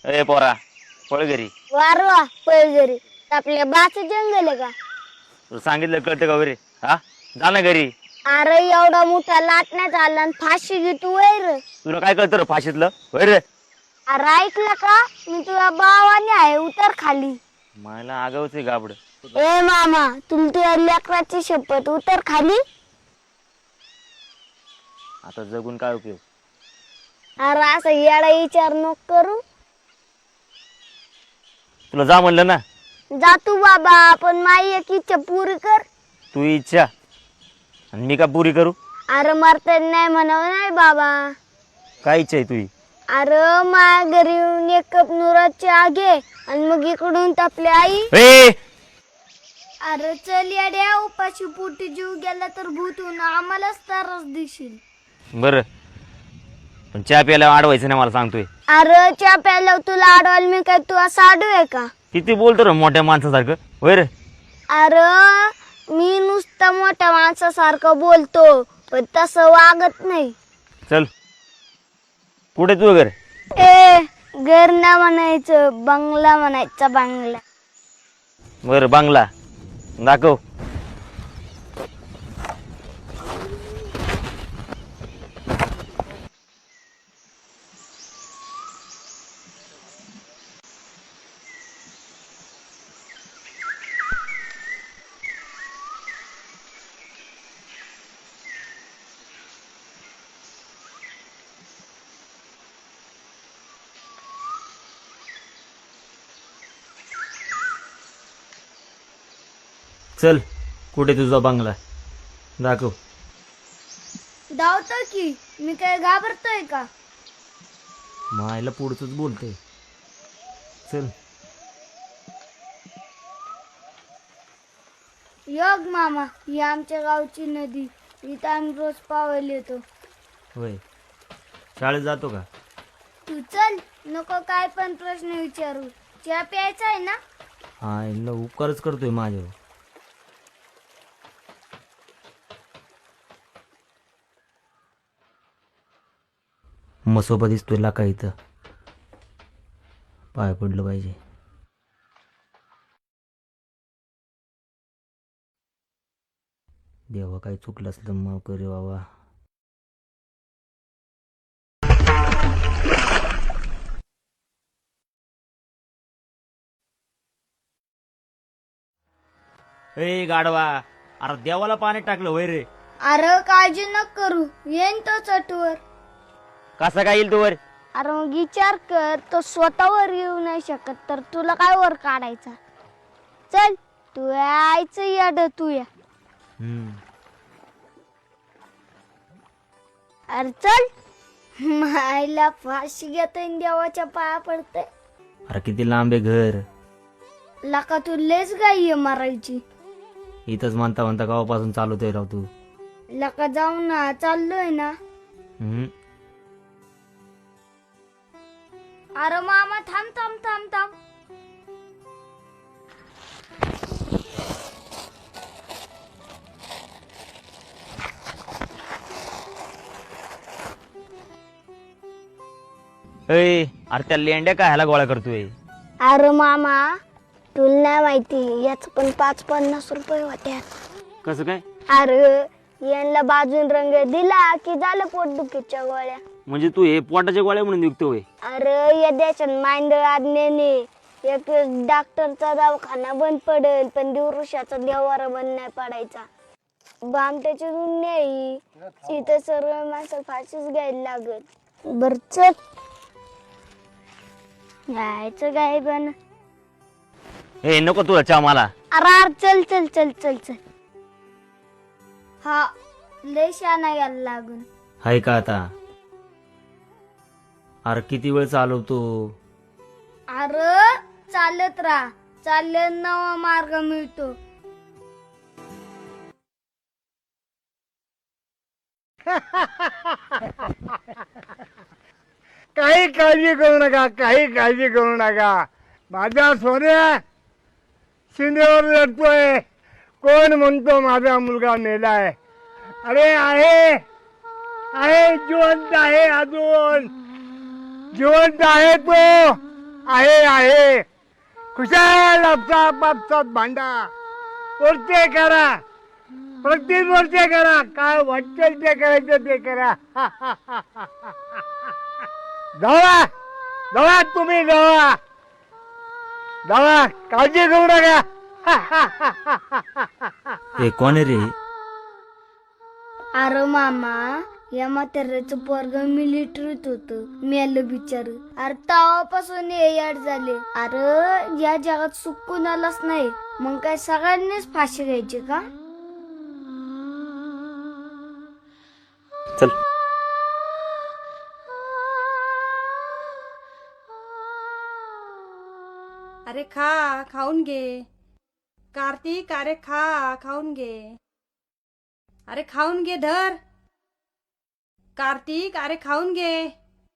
ए पोरा पळ घरी. वारवा पैजरी आपल्या बाच जंगल आहे का? तुला सांगितलं कळतं का वरे? हा जा ना घरी. अरे एवढा मोठा लाटण्यात आला आणि फाशी घेतो वैर. तुला काय कळतं रे फाशीतलं वैर? अरे ऐकलं का? मी तुझ्या भावाने आहे उतर खाली. मला आगावच आहे गाबड. ए मामा तुमच्या लेकराची शपथ उतर खाली. आता जगून काय उपयोग? अरे असं येडा विचार नको करू. तुला जा म्हणलं ना. जा तू बाबा पण माई एक इच्छा पुरी कर. तू इच्छा आणि मी का पुरी करू? अरे मरता नाही म्हणावं नाही बाबा. काय इच्छा आहे तुझी? अरे माझ्या घरी येऊन एक कप नुराची आगे आणि मग इकडून आपली आई. ए अरे चल येड्या उपाशी पोटी जीव गेला तर भूतून आम्हालाच त्रास देशील. बर पण चहा प्यायला अडवायचं नाही मला सांगतोय. अरे चहा प्यायला तुला अडवायला मी काय तू असं आडू आहे का? किती बोलतो रे मोठ्या माणसासारखं वैर? अरे मी नुसतं मोठ्या माणसासारखं बोलतो पण तसं वागत नाही. चल कुठे तू घर? ए घर ना म्हणायचं बंगला म्हणायचा बंगला. बर बांगला दाखव. चल कुठे तुझा बंगला दाखव. धावतो की मी काय घाबरतोय का? मायला पुढचंच बोलते. चल योग मामा ही आमच्या गावची नदी. इथं आम्ही रोज पावायला येतो. होय शाळेत जातो का? तू चल नको काय पण प्रश्न विचारू. चहा प्यायचा आहे ना? हा इला उपकारच करतोय माझ्यावर. मसोबा दिसतोय लाका इथं. पाय पडलं पाहिजे. देवा काही चुकलं असलं माफ करे बाबा. ए गाडवा अरे देवाला पाणी टाकलं वय रे. अरे काळजी नको करू येईन तो चटवर. कसा काय येईल तू वर? अरे मग विचार कर तो स्वतःवर येऊ नाही शकत तर तुला काय वर काढायचा. चल तू यायचं याड तू या. अरे चल मायला फाशी घेता देवाच्या पाया पडते. अरे किती लांब आहे घर. लका तू लेच गाई मारायची. इथंच म्हणता म्हणता गावापासून चालवतोय राव तू. लका जाऊ ना चाललोय ना. अरे मामा थांब थांब थांब थांब. अरे त्या लेंड्या काय ह्याला गोळा करतोय? अरे मामा तुला नाही माहिती याच पण 5-50 रुपये होत्या. कसं काय? अरे यांना बाजून रंग दिला की झालं पोटदुखीच्या गोळ्या. म्हणजे तू हे पोटाच्या गोळ्या म्हणून विकतोय? अरे या देशात मांडळ आज्ञेने एक डॉक्टरचा दवाखाना बंद पडेल पण दिवृषाचा देवारा बंद नाही पडायचा. बामट्याची दुनिया इथं सर्व माणसं फाशीच घ्यायला लागत. बर चल यायचं काय पण. ए नको तुला चहा मला. अरे चल चल चल चल चल. हा लय शाना यायला लागून. हाय का आता? अरे किती वेळ चालवतो? अरे चालत राहा चालत नवा मार्ग मिळतो. काही काळजी करू नका, काही काळजी करू नका. माझा सोन्या शिंदेवर लढतोय. कोण म्हणतो माझा मुलगा मेलाय? अरे आहे आहे जिवंत आहे, अजून जिवंत आहे तो. आहे खुशाल आपसात भांडा, वर्षे करा, प्रत्येक वर्षे करा, काय वाटेल ते करायचं ते करा. जावा जावा, तुम्ही जावा जावा, काळजी करू नका. हे कोण आहे रे? अरे मामा, या म्हाताऱ्याचं पोरग मिलिटरीत होत, मेलं बिचार. अरे तेव्हापासून हे याड झाले. अरे या जगात सुख कुणालाच नाही, मग काय सगळ्यांनीच फाशी घ्यायची का? चल. अरे खा, खाऊन घे. कार्तिक, अरे खा, खाऊन घे. अरे खाऊन घे, धर. कार्तिक, अरे खाऊन घे.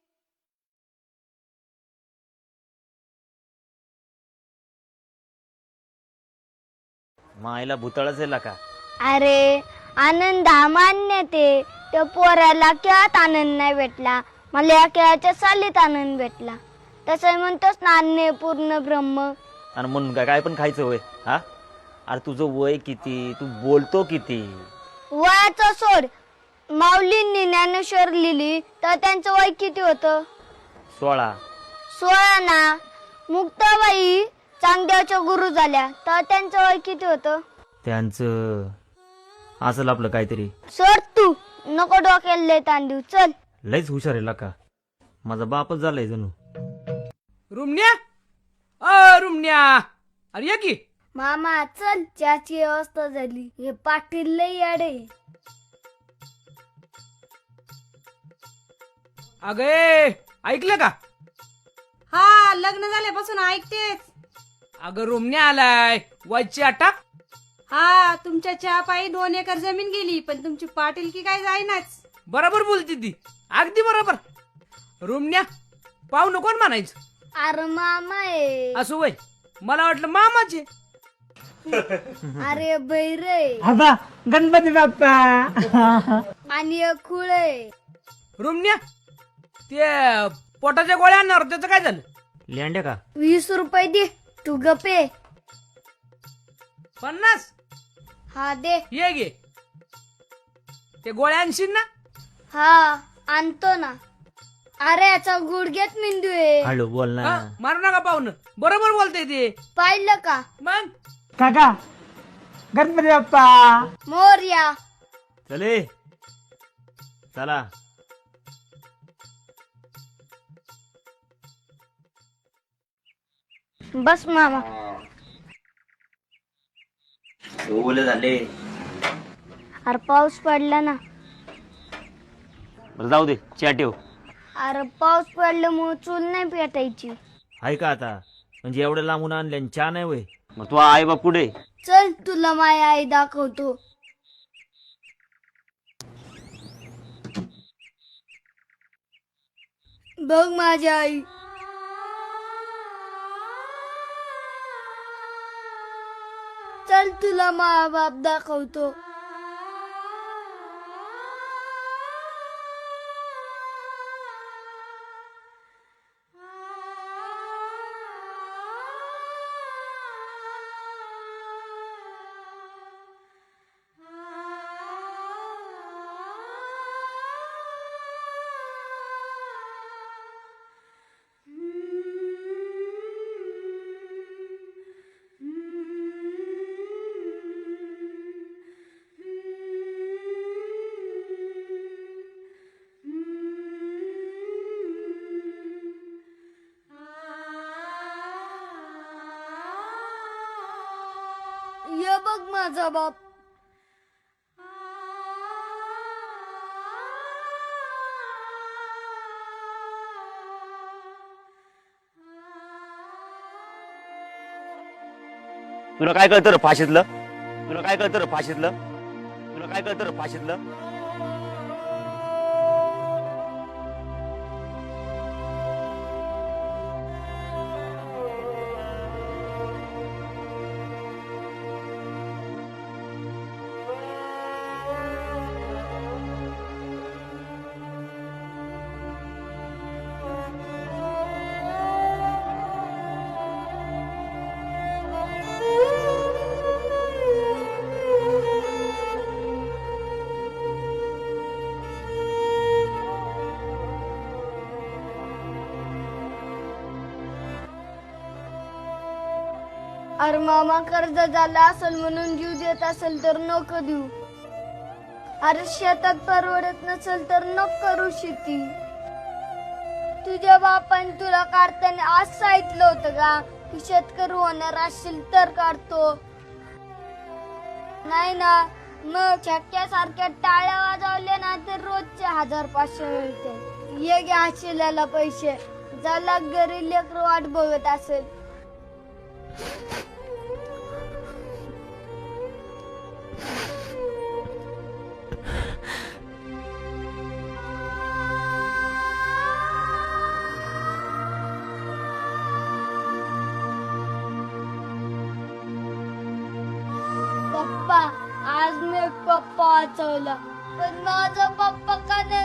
मायला भूतळच आहे का? अरे आनंद हा मान्य ते, त्या पोराला खेळात आनंद नाही भेटला, मला या खेळाच्या सालीत आनंद भेटला. तसं म्हणतोस ना, अन्य पूर्ण ब्रह्म. आणि म्हणून काय पण खायचं होय? हा, अरे तुझं वय किती, तू बोलतो किती? वयाचं सोड, माऊलींनी ज्ञानेश्वर लिहिली तर त्यांचं वय किती होतं? 16. 16 ना. मुक्ताबाई चांगदेवच्या गुरु झाल्या तर त्यांचं वय किती होतं? त्यांचं असेल आपलं काहीतरी. सोड तू, नको डोक्याला लय ताण देऊ. चल. लयच हुशार आहे का? माझा बापच झालाय जणू. रुमण्या, रुमण्या, अरे ये की. मामा चल, चहाची व्यवस्था झाली. हे पाटील लय याडे. अगे ऐकलं का? हा, लग्न झाल्यापासून ऐकतेच. अगं रुमण्या आलाय, वजची अटक. हा, तुमच्या चहा पायी 2 एकर जमीन गेली, पण तुमची पाटीलकी काय जाईनाच. बरोबर बोलती ती, अगदी बरोबर. रुमण्या पाहू नको म्हणायचं. अरे मामा आहे. असं वय, मला वाटलं मामाचे. अरे बैरे आता गणपती बाप्पा. आणि एक खुळ आहे. रुमण्या, ते पोटाच्या गोळ्या आणणार त्याचं काय झालं? लेंड्या का? 20 रुपये दे, तू गपे. 50? हा दे. ये गे, ते गोळ्या आणशील ना? हा आणतो ना. अरे याचा गुडघ्यात मेंदू आहे. हळू बोल ना. हा, मारू नका पाहुणं, बरोबर बोलतय ते. पाहिलं का? मग काका गणपती बाप्पा. मोरया. चले चला. बस मामा. ओले झाले. अरे पाऊस पडला ना. बरं जाऊ दे, चहा ठेव. अरे पाऊस पडल्यामुळे चूल नाही पेटायची. आहे का आता? म्हणजे एवढं लांबून आणले चहा नाही वय? मग तू आई बाप कुठे? चल तुला माझी आई दाखवतो. बघ माझी आई. चल तुला माझा बाप दाखवतो. ये बघ माझा बाप. तुला काय कळतं रे फाशीतलं? तुला काय कळतं रे फाशीतलं? तुला काय कळतं रे फाशीतलं? अरे मामा कर्ज झाला असेल म्हणून जीव देत असेल तर नको देऊ. अरे शेतात परवडत नसेल तर नको करू शेती. तुझ्या बापाने तुला काढताना आज सांगितलं होतं का की शेतकरी होणार असेल तर काढतो? नाही ना. मग छक्क्यासारख्या टाळ्या वाजवल्या ना तर रोजचे 1500 मिळते. ये घ्या शिल्याला पैसे. ज्याला घरी लेकरं वाट बघत असेल. पप्पा आज मी पप्पा वाचवला पण माझा पप्पा का नाही